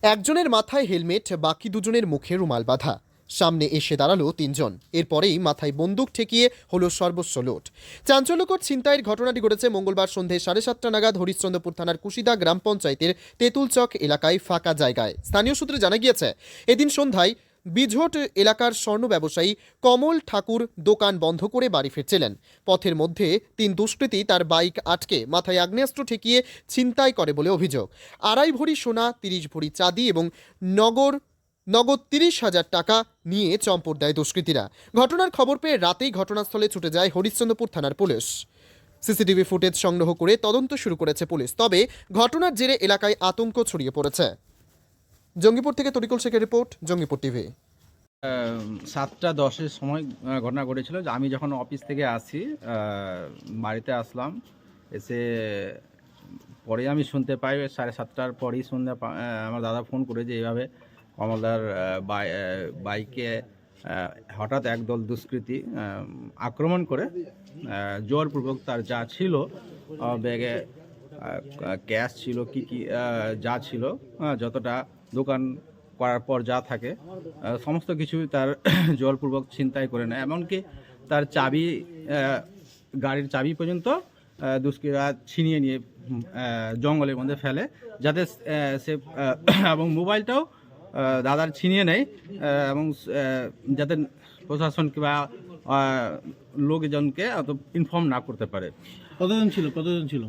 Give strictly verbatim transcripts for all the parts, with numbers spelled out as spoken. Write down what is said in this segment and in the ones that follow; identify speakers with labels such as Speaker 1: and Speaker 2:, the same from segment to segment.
Speaker 1: একজনের মাথায় হেলমেট, বাকি দুজনের মুখে রুমাল বাঁধা। সামনে এসে দাঁড়ালো তিনজন। এরপরেই মাথায় বন্দুক ঠেকিয়ে হলো সর্বস্ব লুট। চাঞ্চল্যকর ছিনতাইয়ের ঘটনাটি ঘটেছে মঙ্গলবার সন্ধে সাড়ে সাতটা নাগাদ হরিশ্চন্দ্রপুর থানার কুশিদা গ্রাম পঞ্চায়েতের তেঁতুলচক এলাকায় ফাঁকা জায়গায়। স্থানীয় সূত্রে জানা গিয়েছে, এদিন সন্ধ্যায় বিঝট এলাকার স্বর্ণ ব্যবসায়ী কমল ঠাকুর দোকান বন্ধ করে বাড়ি ফিরছিলেন। পথের মধ্যে তিন দুষ্কৃতী তার বাইক আটকে মাথায় আগ্নেয়াস্ত্র ঠেকিয়ে ছিনতাই করে বলে অভিযোগ। আড়াই ভরি সোনা, তিরিশ ভরি চাঁদি এবং নগর নগদ তিরিশ হাজার টাকা নিয়ে চম্পট দেয় দুষ্কৃতীরা। ঘটনার খবর পেয়ে রাতেই ঘটনাস্থলে ছুটে যায় হরিশ্চন্দ্রপুর থানার পুলিশ। সিসিটিভি ফুটেজ সংগ্রহ করে তদন্ত শুরু করেছে পুলিশ। তবে ঘটনার জেরে এলাকায় আতঙ্ক ছড়িয়ে পড়েছে। জঙ্গিপুর থেকে তরিকুল শেখের রিপোর্ট, জঙ্গিপুর টিভি।
Speaker 2: সাতটা দশের সময় ঘটনা ঘটেছিল। আমি যখন অফিস থেকে আসি, বাড়িতে আসলাম, এসে পরে আমি শুনতে পাই সাড়ে সাতটার পরেই শুনতে আমার দাদা ফোন করে যে এইভাবে কমলদার বাইকে হঠাৎ একদল দুষ্কৃতী আক্রমণ করে জোরপূর্বক তার যা ছিল ব্যাগে ক্যাশ ছিল, কি কি যা ছিল, যতটা দোকান করার পর যা থাকে সমস্ত কিছু তার জোরপূর্বক ছিনতাই করে নেয়। এমনকি তার চাবি, গাড়ির চাবি পর্যন্ত দুষ্কৃতীরা ছিনিয়ে নিয়ে জঙ্গলের মধ্যে ফেলে, যাতে সে এবং মোবাইলটাও দাদার ছিনিয়ে নেয় এবং যাতে প্রশাসন কিংবা লোকজনকে অত ইনফর্ম না করতে পারে।
Speaker 3: কতজন ছিল কতজন ছিল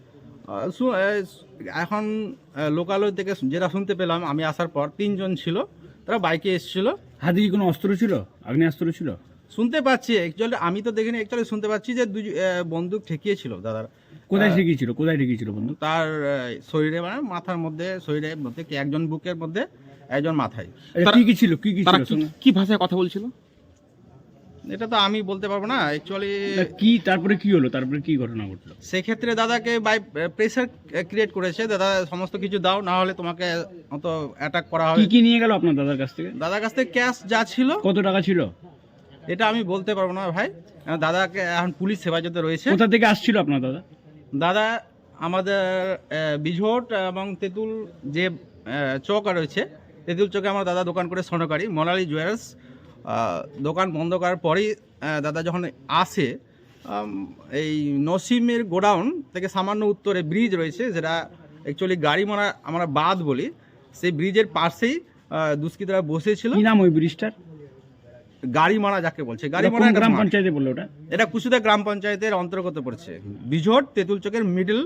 Speaker 2: এখন লোকালয় থেকে যেটা শুনতে পেলাম আমি আসার পর, তিনজন ছিল, তারা বাইকে এসেছিল।
Speaker 3: হাতে কি কোনো অস্ত্র ছিল, আগ্নেয়াস্ত্র ছিল?
Speaker 2: শুনতে পাচ্ছি, অ্যাকচুয়ালি আমি তো দেখিনি, অ্যাকচুয়ালি শুনতে পাচ্ছি যে দুই বন্দুক ঠেকিয়েছিল দাদার।
Speaker 3: কোথায় ঠেকিয়েছিল কোথায় ঠেকিয়েছিল বন্ধু?
Speaker 2: তার শরীরে, মানে মাথার মধ্যে, শরীরের মধ্যে, একজন বুকের মধ্যে, একজন মাথায়।
Speaker 3: কি কি ছিল কি কি ছিল
Speaker 4: কি ভাষায় কথা বলছিল
Speaker 2: এটা তো আমি বলতে পারবো না অ্যাকচুয়ালি।
Speaker 3: কি তারপরে কি হলো, তারপরে কি ঘটনা ঘটলো?
Speaker 2: সেক্ষেত্রে দাদাকে বাই প্রেসার ক্রিয়েট করেছে, দাদা সমস্ত কিছু দাও, না হলে তোমাকে অত অ্যাটাক করা হবে।
Speaker 3: কি কি নিয়ে গেল আপনার দাদার কাছ থেকে?
Speaker 2: দাদার কাছ থেকে ক্যাশ যা ছিল।
Speaker 3: কত টাকা ছিল
Speaker 2: এটা আমি বলতে পারবো না ভাই, দাদাকে এখন পুলিশ হেফাজতে রয়েছে।
Speaker 3: কোথা থেকে আসছিল আপনার দাদা?
Speaker 2: দাদা আমাদের বিঝট এবং তেঁতুল যে চক রয়েছে, তেঁতুল চকে আমার দাদা দোকান করে স্বর্ণকারী মোনালি জুয়েলার্স। দোকান বন্ধ করার পরেই দাদা যখন আসে, এই নসিমের গোডাউন থেকে সামান্য উত্তরে ব্রিজ রয়েছে, যেটা অ্যাকচুয়ালি গাড়ি মারা আমরা বাদ বলি, সেই ব্রিজের পাশেই দুষ্কৃতীরা বসেছিল।
Speaker 3: কি নাম ওই ব্রিজটার?
Speaker 2: গাড়ি মারা যাকে বলছে, গাড়ি মারা
Speaker 3: গ্রাম পঞ্চায়েতে বললো ওটা?
Speaker 2: এটা কুশিদা গ্রাম পঞ্চায়েতের অন্তর্গত পড়ছে। বিঝট তেঁতুল চকের মিডল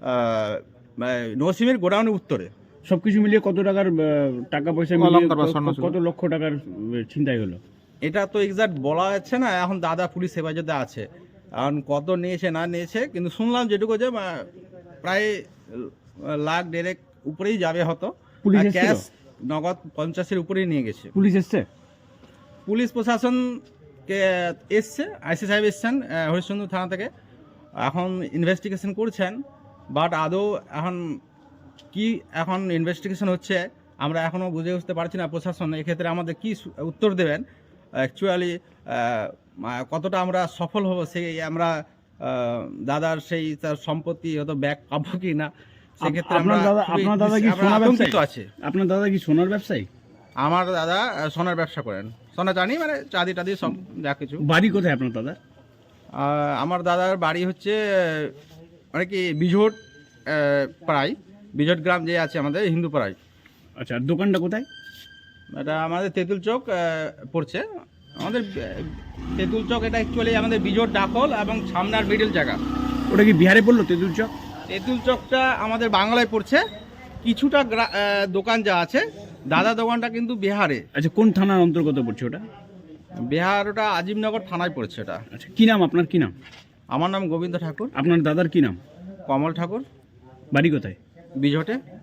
Speaker 2: নসিমের গোডাউনের উত্তরে।
Speaker 3: সবকিছু মিলিয়ে কত টাকার টাকা পয়সা কত লক্ষ টাকার ছিনতাই হলো?
Speaker 2: এটা তো এক্সাক্ট বলা যাচ্ছে না, এখন দাদা পুলিশ হেফাজতে আছে, এখন কত নিয়েছে না নিয়েছে, কিন্তু শুনলাম যেটুকু যে প্রায় লাখ দেড়েক উপরেই যাবে হতো।
Speaker 3: পুলিশ
Speaker 2: ক্যাশ নগদ পঞ্চাশের উপরেই নিয়ে গেছে।
Speaker 3: পুলিশ এসছে?
Speaker 2: পুলিশ প্রশাসনকে এসছে, আইসি সাহেব এসছেন হরিশ্চন্দ্র থানা থেকে, এখন ইনভেস্টিগেশন করছেন। বাট আদৌ এখন কি এখন ইনভেস্টিগেশন হচ্ছে আমরা এখনও বুঝে উঠতে পারছি না। প্রশাসন এক্ষেত্রে আমাদের কি উত্তর দেবেন, অ্যাকচুয়ালি কতটা আমরা সফল হব, সেই আমরা দাদার সেই তার সম্পত্তি হয়তো ব্যাক পাবো কি না, সেক্ষেত্রে আমরা
Speaker 3: আপনার দাদা কি সোনার ব্যবসায়ী
Speaker 2: আছে?
Speaker 3: আপনার দাদা কি সোনার ব্যবসায়ী?
Speaker 2: আমার দাদা সোনার ব্যবসা করেন, সোনা জানি, মানে চাঁদি টাদি সব যা কিছু।
Speaker 3: বাড়ি কোথায় আপনার দাদা?
Speaker 2: আমার দাদার বাড়ি হচ্ছে মানে কি বিঝট পাড়ায়, বিঝট গ্রাম যে আছে আমাদের হিন্দু পাড়ায়।
Speaker 3: আচ্ছা, আর দোকানটা কোথায়?
Speaker 2: এটা আমাদের তেঁতুল চক পড়ছে, আমাদের তেঁতুল চক। এটা অ্যাকচুয়ালি আমাদের বিঝট ডাকল এবং সামনার মিডল জায়গা।
Speaker 3: ওটা কি বিহারে পড়লো তেঁতুল চক?
Speaker 2: তেঁতুল চকটা আমাদের বাংলায় পড়ছে, কিছুটা দোকান যা আছে, দাদা দোকানটা কিন্তু বিহারে।
Speaker 3: আচ্ছা, কোন থানার অন্তর্গত পড়ছে ওটা?
Speaker 2: বিহার, ওটা আজিমনগর থানায় পড়ছে ওটা।
Speaker 3: আচ্ছা, কি নাম আপনার? কি নাম?
Speaker 2: আমার নাম গোবিন্দ ঠাকুর।
Speaker 3: আপনার দাদার কি নাম?
Speaker 2: কমল ঠাকুর।
Speaker 3: বাড়ি কোথায়?
Speaker 2: বিঝটে।